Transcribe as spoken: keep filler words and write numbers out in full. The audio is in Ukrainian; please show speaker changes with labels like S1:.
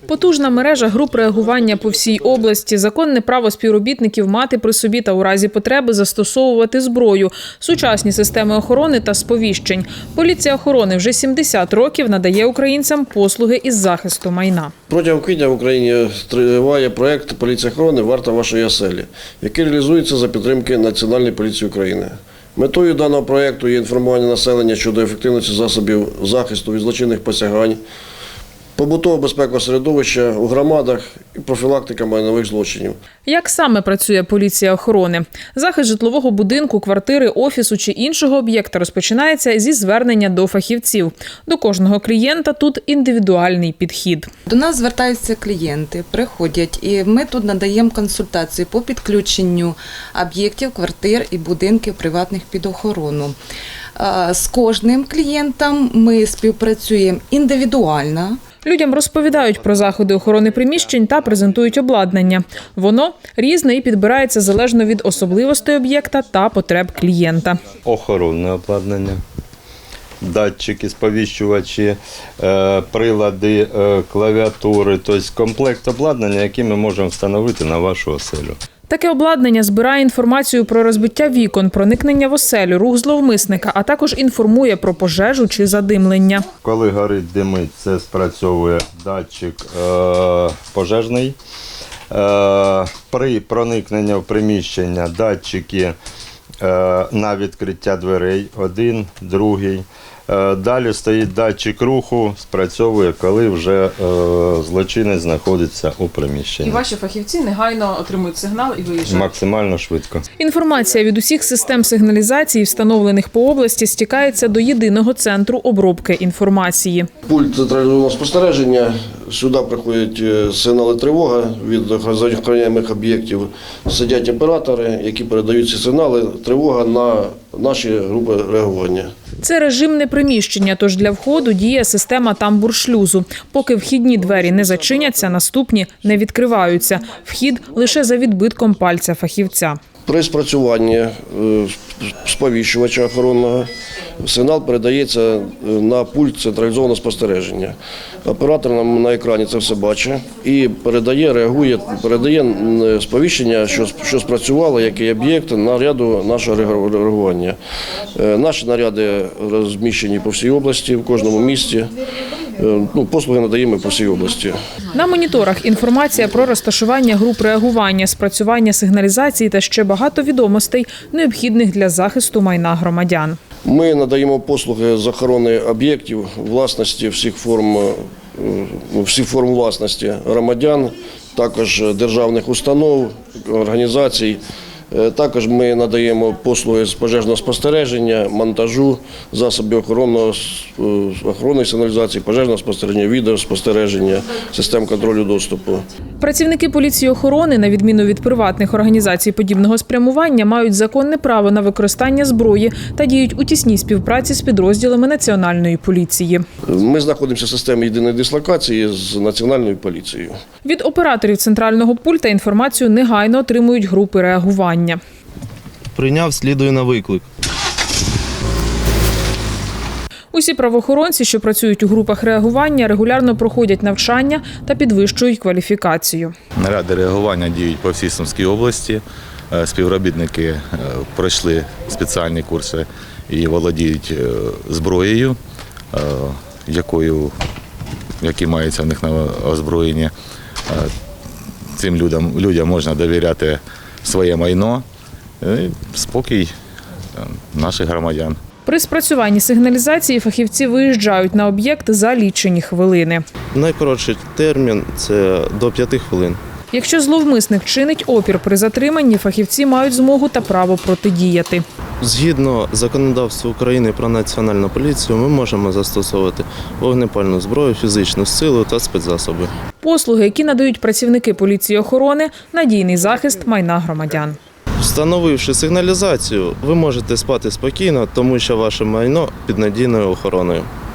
S1: Потужна мережа груп реагування по всій області, законне право співробітників мати при собі та у разі потреби застосовувати зброю, сучасні системи охорони та сповіщень. Поліція охорони вже сімдесят років надає українцям послуги із захисту майна.
S2: Протягом квітня в Україні триває проєкт «Поліція охорони. Варта вашої оселі», який реалізується за підтримки Національної поліції України. Метою даного проєкту є інформування населення щодо ефективності засобів захисту від злочинних посягань, побутового безпекового середовища у громадах і профілактика майнових злочинів.
S1: Як саме працює поліція охорони? Захист житлового будинку, квартири, офісу чи іншого об'єкта розпочинається зі звернення до фахівців. До кожного клієнта тут індивідуальний підхід.
S3: До нас звертаються клієнти, приходять, і ми тут надаємо консультації по підключенню об'єктів, квартир і будинків приватних під охорону. З кожним клієнтом ми співпрацюємо індивідуально.
S1: Людям розповідають про заходи охорони приміщень та презентують обладнання. Воно різне і підбирається залежно від особливостей об'єкта та потреб клієнта.
S4: Охоронне обладнання, датчики, сповіщувачі, прилади, клавіатури, тобто комплект обладнання, який ми можемо встановити на вашу оселю.
S1: Таке обладнання збирає інформацію про розбиття вікон, проникнення в оселю, рух зловмисника, а також інформує про пожежу чи задимлення.
S4: Коли горить, димить, це спрацьовує датчик е, пожежний. Е, при проникненні в приміщення датчики е, на відкриття дверей, один, другий. Далі стоїть датчик руху, спрацьовує, коли вже е, злочинець знаходиться у приміщенні.
S1: І ваші фахівці негайно отримують сигнал і виїжджають?
S4: Максимально швидко.
S1: Інформація від усіх систем сигналізації, встановлених по області, стікається до єдиного центру обробки інформації.
S2: Пульт централізованого спостереження, сюди приходять сигнали тривоги від охороняємих об'єктів. Сидять оператори, які передають ці сигнали тривога на наші групи реагування.
S1: Це режимне приміщення, тож для входу діє система тамбур-шлюзу. Поки вхідні двері не зачиняться, наступні не відкриваються. Вхід лише за відбитком пальця фахівця.
S2: При спрацюванні сповіщувача охоронного сигнал передається на пульт централізованого спостереження. Оператор нам на екрані це все бачить і передає, реагує, передає сповіщення, що, що спрацювало, який об'єкт, наряду нашого реагування. Наші наряди розміщені по всій області, в кожному місті. Ну, послуги надаємо по всій області.
S1: На моніторах інформація про розташування груп реагування, спрацювання сигналізації та ще багато відомостей, необхідних для захисту майна громадян.
S2: Ми надаємо послуги з охорони об'єктів, власності всіх форм, всіх форм власності громадян, також державних установ, організацій. Також ми надаємо послуги з пожежного спостереження, монтажу, засобів охоронного, охоронної сигналізації, пожежного спостереження, відеоспостереження, систем контролю доступу.
S1: Працівники поліції охорони, на відміну від приватних організацій подібного спрямування, мають законне право на використання зброї та діють у тісній співпраці з підрозділами Національної поліції.
S2: Ми знаходимося в системі єдиної дислокації з Національною поліцією.
S1: Від операторів центрального пульта інформацію негайно отримують групи реагування.
S5: Прийняв, слідую на виклик.
S1: Усі правоохоронці, що працюють у групах реагування, регулярно проходять навчання та підвищують кваліфікацію.
S6: Наряди реагування діють по всій Сумській області. Співробітники пройшли спеціальні курси і володіють зброєю, якою, які маються в них на озброєнні. Цим людям, людям можна довіряти своє майно і спокій наших громадян.
S1: При спрацюванні сигналізації фахівці виїжджають на об'єкт за лічені хвилини.
S5: Найкоротший термін – це до п'яти хвилин.
S1: Якщо зловмисник чинить опір при затриманні, фахівці мають змогу та право протидіяти.
S5: Згідно законодавства України про Національну поліцію, ми можемо застосовувати вогнепальну зброю, фізичну силу та спецзасоби.
S1: Послуги, які надають працівники поліції охорони – надійний захист майна громадян.
S5: Встановивши сигналізацію, ви можете спати спокійно, тому що ваше майно під надійною охороною.